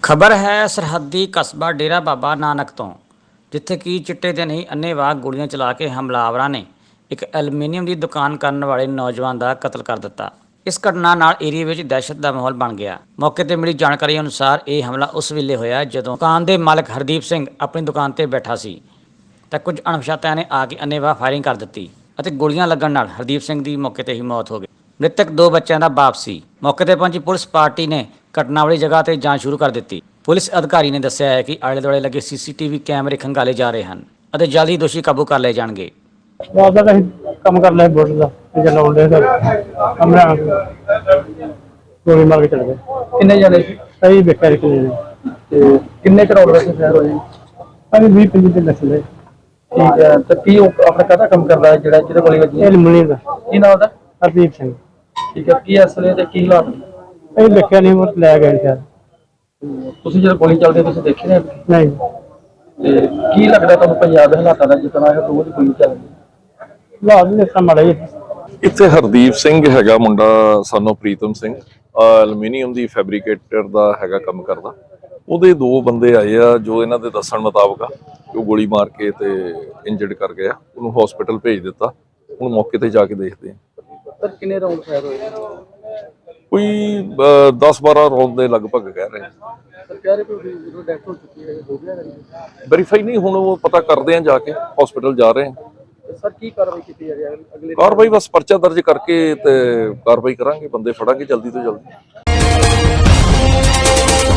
ਖਬਰ ਹੈ ਸਰਹੱਦੀ ਕਸਬਾ ਡੇਰਾ ਬਾਬਾ ਨਾਨਕ ਤੋਂ, ਜਿੱਥੇ ਕਿ ਚਿੱਟੇ ਦੇ ਨਹੀਂ ਅੰਨ੍ਹੇਵਾਹ ਗੋਲੀਆਂ ਚਲਾ ਕੇ ਹਮਲਾਵਰਾਂ ਨੇ ਇੱਕ ਐਲੂਮੀਨੀਅਮ ਦੀ ਦੁਕਾਨ ਕਰਨ ਵਾਲੇ ਨੌਜਵਾਨ ਦਾ ਕਤਲ ਕਰ ਦਿੱਤਾ। ਇਸ ਘਟਨਾ ਨਾਲ ਏਰੀਏ ਵਿੱਚ ਦਹਿਸ਼ਤ ਦਾ ਮਾਹੌਲ ਬਣ ਗਿਆ। ਮੌਕੇ ਤੇ ਮਿਲੀ ਜਾਣਕਾਰੀ ਅਨੁਸਾਰ ਇਹ ਹਮਲਾ ਉਸ ਵੇਲੇ ਹੋਇਆ ਜਦੋਂ ਦੁਕਾਨ ਦੇ ਮਾਲਕ ਹਰਦੀਪ ਸਿੰਘ ਆਪਣੀ ਦੁਕਾਨ ਤੇ ਬੈਠਾ ਸੀ ਤਾਂ ਕੁਝ ਅਣਪਛਾਤਿਆਂ ਨੇ ਆ ਕੇ ਅੰਨ੍ਹੇਵਾਹ ਫਾਇਰਿੰਗ ਕਰ ਦਿੱਤੀ ਅਤੇ ਗੋਲੀਆਂ ਲੱਗਣ ਨਾਲ ਹਰਦੀਪ ਸਿੰਘ ਦੀ ਮੌਕੇ ਤੇ ਹੀ ਮੌਤ ਹੋ ਗਈ। ਮ੍ਰਿਤਕ 2 ਬੱਚਿਆਂ ਦਾ ਬਾਪ ਸੀ। ਮੌਕੇ ਤੇ ਪਹੁੰਚੀ ਪੁਲਿਸ ਪਾਰਟੀ ਨੇ ਘਟਨਾ ਵਾਲੀ ਜਗ੍ਹਾ ਤੇ ਜਾਂਚ ਸ਼ੁਰੂ ਕਰ ਦਿੱਤੀ। ਪੁਲਿਸ ਅਧਿਕਾਰੀ ਨੇ ਦੱਸਿਆ ਹੈ ਕਿ ਆਲੇ ਦੁਆਲੇ ਲੱਗੇ ਸੀਸੀਟੀਵੀ ਕੈਮਰੇ ਖੰਗਾਲੇ ਜਾ ਰਹੇ ਹਨ ਅਤੇ ਜਲਦੀ ਦੋਸ਼ੀ ਕਾਬੂ ਕਰ ਲਏ ਜਾਣਗੇ। ਬਾਬਾ ਦਾ ਕੰਮ ਕਰ ਲਿਆ ਬੋਟ ਦਾ ਤੇ ਲਾਉਂਦੇ ਸਰ ਕਮਰਾ ਗੋਲੀ ਮਾਰ ਕੇ ਚਲੇ ਗਏ। ਕਿੰਨੇ ਜਣੇ ਸੀ ਸਹੀ ਵੇਖਿਆ ਰਿਕ ਨੇ ਤੇ ਕਿੰਨੇ ਕਰੋੜ ਦਾ ਸ਼ਹਿਰ ਹੋਏ? ਅਰੇ 20-25 ਦੇ ਲੱਗੇ। ਠੀਕ ਹੈ, ਤੇ ਕੀ ਉਹ ਆਪਣਾ ਕਾਹਦਾ ਕੰਮ ਕਰਦਾ ਹੈ ਜਿਹੜਾ ਜਿਹਦੇ ਗੋਲੀ ਵੱਜੀ? ਇਹ ਮੁੰਨੀ ਦਾ ਕੀ ਨਾਮ ਉਹਦਾ? ਹਰਦੀਪ ਸਿੰਘ। ਠੀਕ ਹੈ, ਕੀ ਅਸਲੇ ਤੇ ਕੀ ਹਾਲਾਤ? ਇਹ ਵੇਖਿਆ ਨਹੀਂ ਉਹ ਲੈ ਗਏ ਸ਼ਾਇਦ। ਤੁਸੀਂ ਜਦੋਂ ਗੋਲੀ ਚੱਲਦੀ ਤੁਸੀਂ ਦੇਖੇ ਨੇ? ਨਹੀਂ ਤੇ ਕੀ ਲੱਗਦਾ ਤੁਹਾਨੂੰ ਪੰਜਾਬ ਦੇ ਹਾਲਾਤਾਂ ਦਾ ਜਿਤਨਾ ਇਹ ਰੋਜ਼ ਗੋਲੀ ਚੱਲਦੀ? ਲਾਜ ਦੇ ਸਾਹਮਣੇ ਮਾੜਾ ਜੀ। ਇੱਥੇ ਹਰਦੀਪ ਸਿੰਘ ਹੈਗਾ ਮੁੰਡਾ, ਸਾਨੂੰ ਪ੍ਰੀਤਮ ਸਿੰਘ, ਐਲੂਮੀਨੀਅਮ ਦੀ ਫੈਬਰੀਕੇਟਰ ਦਾ ਹੈਗਾ ਕੰਮ ਕਰਦਾ। ਉਹਦੇ 2 ਬੰਦੇ ਆਏ ਆ ਜੋ ਇਹਨਾਂ ਦੇ ਦੱਸਣ ਮੁਤਾਬਕ ਆ ਕਿ ਉਹ ਗੋਲੀ ਮਾਰ ਕੇ ਤੇ ਇੰਜਰਡ ਕਰ ਗਿਆ। ਉਹਨੂੰ ਹਸਪੀਟਲ ਭੇਜ ਦਿੱਤਾ। ਹੁਣ ਮੌਕੇ ਤੇ ਜਾ ਕੇ ਦੇਖਦੇ ਆ। ਸਰ ਕਿੰਨੇ ਰਾਉਂਡ ਫਾਇਰ ਹੋਏ? ਕੋਈ 10-12 ਰੌਂਦ ਦੇ ਲਗਭਗ ਕਹਿ ਰਹੇ ਆ। ਸਰ ਕਹਿ ਰਹੇ ਕਿ ਡੈਥ ਹੋ ਚੁੱਕੀ ਹੈ, ਹੋ ਗਿਆ? ਵੈਰੀਫਾਈ ਨਹੀਂ, ਹੁਣ ਉਹ ਪਤਾ ਕਰਦੇ ਆ, ਜਾ ਕੇ ਹਸਪੀਟਲ ਜਾ ਰਹੇ ਆ। ਸਰ ਕੀ ਕਾਰਵਾਈ ਕੀਤੀ ਜਾ ਰਹੀ ਹੈ ਅਗਲੇ? ਕਾਰਵਾਈ ਬਸ ਪਰਚਾ ਦਰਜ ਕਰਕੇ ਤੇ ਕਾਰਵਾਈ ਕਰਾਂਗੇ, ਬੰਦੇ ਫੜਾਂਗੇ ਜਲਦੀ ਤੋਂ ਜਲਦੀ।